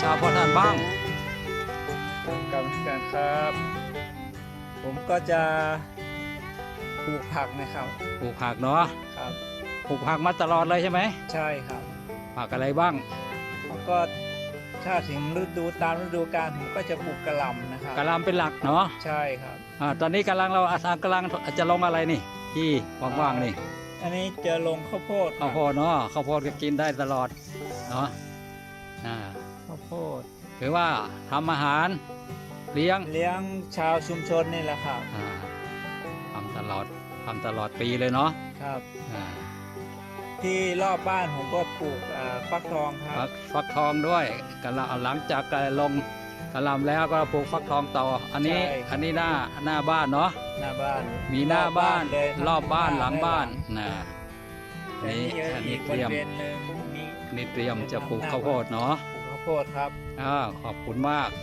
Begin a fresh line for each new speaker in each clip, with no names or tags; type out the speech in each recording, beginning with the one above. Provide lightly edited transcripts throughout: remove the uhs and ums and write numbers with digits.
าพ่อท่านบ้าง
กรรมการครับ ผมก็จะปลูกผักนะครับ
ปลูกผักเนาะ
ครับ
ปลูกผักมาตลอดเลยใช่ไหม
ใช่ครับ
ผักอะไรบ้าง
แล้วก็ถ้าถึงตามฤดูกาลผมก็จะปลูกกะหล่ำนะครับ
กะหล่ำเป็นหลักเนาะ
ใช่ครับ
ตอนนี้กำลังจะลงอะไรนี่ที่ว่างๆนี่
อันนี้จะลงข้าวโพด
ข้าวโพดเนาะข้าวโพดก็กินได้ตลอดเนาะ
ข้าวโพด
หรือว่าทำอาหารเลี้ยง
ชาวชุมชนนี่แหละครับ
ทำตลอดปีเลยเนาะ
ครับที่รอบบ้านผมก็ปลูกฟักทองครับ
ฟักทองด้วยกะหล่ำหลังจากลงกะหล่ำแล้วก็ปลูกฟักทองต่ออันนี้หน้าบ้านเนาะ
หน้าบ้าน
มีหน้าบ้านรอบบ้านหลังบ้านอันนี้เตรียมจะปลูกข้าวโพดเนาะ
ปลูกข้าวโพดครับ
ขอบคุณมาก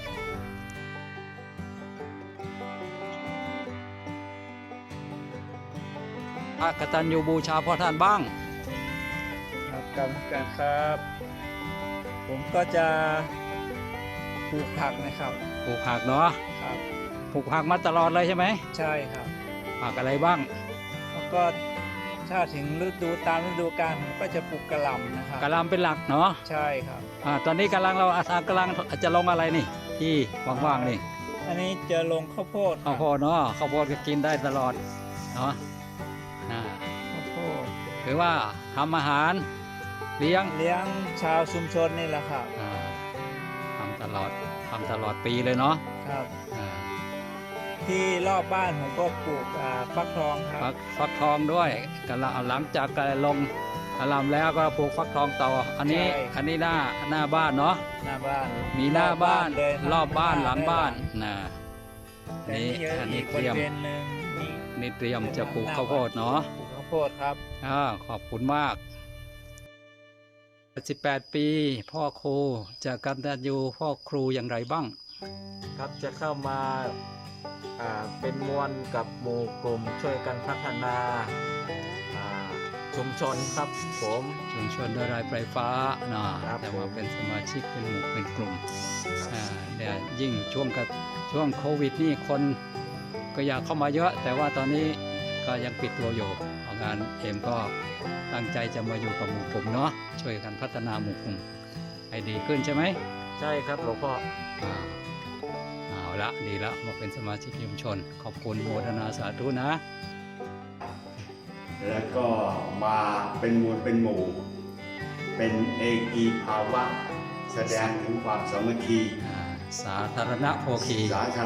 กตัญญูบูชาพ่อท่านบ้าง
ครับกรรมการครับ ผมก็จะปลูกผักนะครับ
ปลูกผักเนาะ
ครับ
ปลูกผักมาตลอดเลยใช่ไหม
ใช่ครับ
ผักอะไรบ้าง
แล้วก็ถ้าถึงตามฤดูกาลผมก็จะปลูกกะหล่ำนะครับ
กะหล่ำเป็นหลักเนาะ
ใช่ครับ
ตอนนี้กำลังจะลงอะไรนี่ที่ว่างๆนี่
อันนี้จะลงข้าวโพด
เนาะข้าวโพดก็กินได้ตลอดเนาะ
ข้าวโพด
หรือว่าทำอาหารเลี้ยง
ชาวชุมชนนี่แหละครับ
ทำตลอดปีเลยเนาะ
ครับที่รอบบ้านผมก็ปลูกฟักทองครับ
ฟักทองด้วยกะหล่ำหลังจากลงกะหล่ำแล้วก็ปลูกฟักทองต่ออันนี้หน้าบ้านเนาะ
หน้าบ้าน
มีหน้าบ้านรอบบ้านหลังบ้านอันนี้เตรียมจะปลูกข้าวโพดเนาะ
ปลูกข้าวโพดครับ
ขอบคุณมาก18 ปีพ่อครูจะกตัญญูพ่อครูอย่างไรบ้าง
ครับจะเข้ามาเป็นมวลกับหมู่กลุ่มช่วยกันพัฒนาชุมชนครับผม
ชุมชนด้วยรายไฟฟ้าแต่ว่าเป็นสมาชิกเป็นหมู่เป็นกลุ่มเนี่ยยิ่งช่วงโควิดนี่คนก็อยากเข้ามาเยอะแต่ว่าตอนนี้ก็ยังปิดตัวอยู่งานเอ็มก็ตั้งใจจะมาอยู่กับหมู่กลุ่มเนาะช่วยกันพัฒนาหมู่กลุ่มให้ดีขึ้นใช่ไหม
ใช่ครับหลวงพ่อ
เอาละดีละมาเป็นสมาชิกชุมชนขอบคุณโมทนาสาธุนะ
แล้วก็มาเป็นมวลเป็นหมู่เป็นเอกีภาวะแสดงถึงความสามัคคี
สาธารณโภคี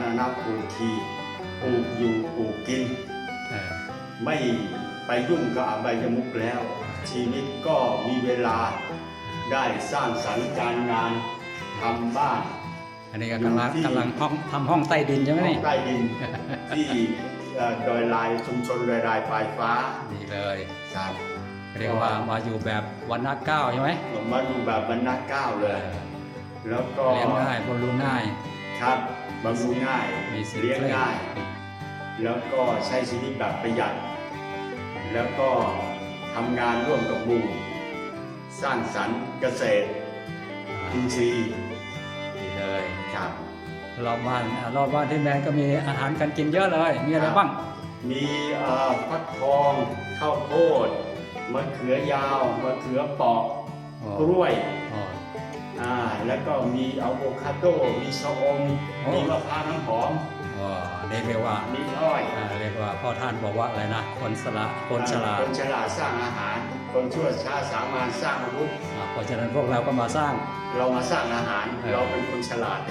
ปลูกอยู่ปลูกกินไม่ไปยุ่งกับอบายมุขแล้วชีวิตก็มีเวลาได้สร้างสรรค์การงานทำบ้าน
อันนี้กำลังทำห้องใต้ดินใช่ไหมนี่
ห้องใต้ดินที่ดอยลายชุมชนดอยลายปลายฟ้า
ดีเลย
ครับ
เรียกว่ามาอยู่แบบวันนัก9ใช่ไหม
มาอยู่แบบวันนัก9เลยแล้วก็
เลี้ยงง่ายบำรุงง่าย
ครับบำรุงง่ายเลี้ยงง่ายแล้วก็ใช้ชีวิตแบบประหยัดแล้วก็ทำงานร่วมกับหมู่สร้างสรรค์เกษตรอินทรีย์
ดีเลย
ครับ
รอบบ้านที่แมนก็มีอาหารการกินเยอะเลยมีอะไรบ้าง
มีฟักทองข้าวโพดมะเขือยาวมะเขือเปาะกล้วยแล้วก็มีอะโวคาโดมีชะอมมีมะพร้าวน้ำหอม
เรียกว่า
มีอ้อย
เรียกว่าพ่อท่านบอกว่าอะไรนะคนฉลาด
สร้างอาหารคนชั่วช้าสามารถสร้างอาวุธ
เพราะฉะนั้นพวกเราก็มาสร้าง
อาหารเราเป็นคนฉลาด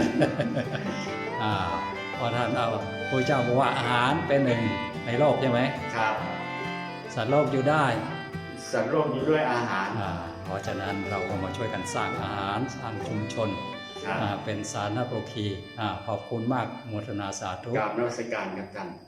พ่อท่านพระเจ้าบอกว่าอาหารเป็นหนึ่งในโลกใช่ไหม
ครับ
สัตว์โลกอยู่ได้
สัตว์โลกอยู่ด้วยอาหาร
เพราะฉะนั้นเราก็มาช่วยกันสร้างอาหารสร้างชุมชนเป็นสาธารณโภคีขอบคุณมากโมทนาสาธุ
กราบนมัสการครับท่าน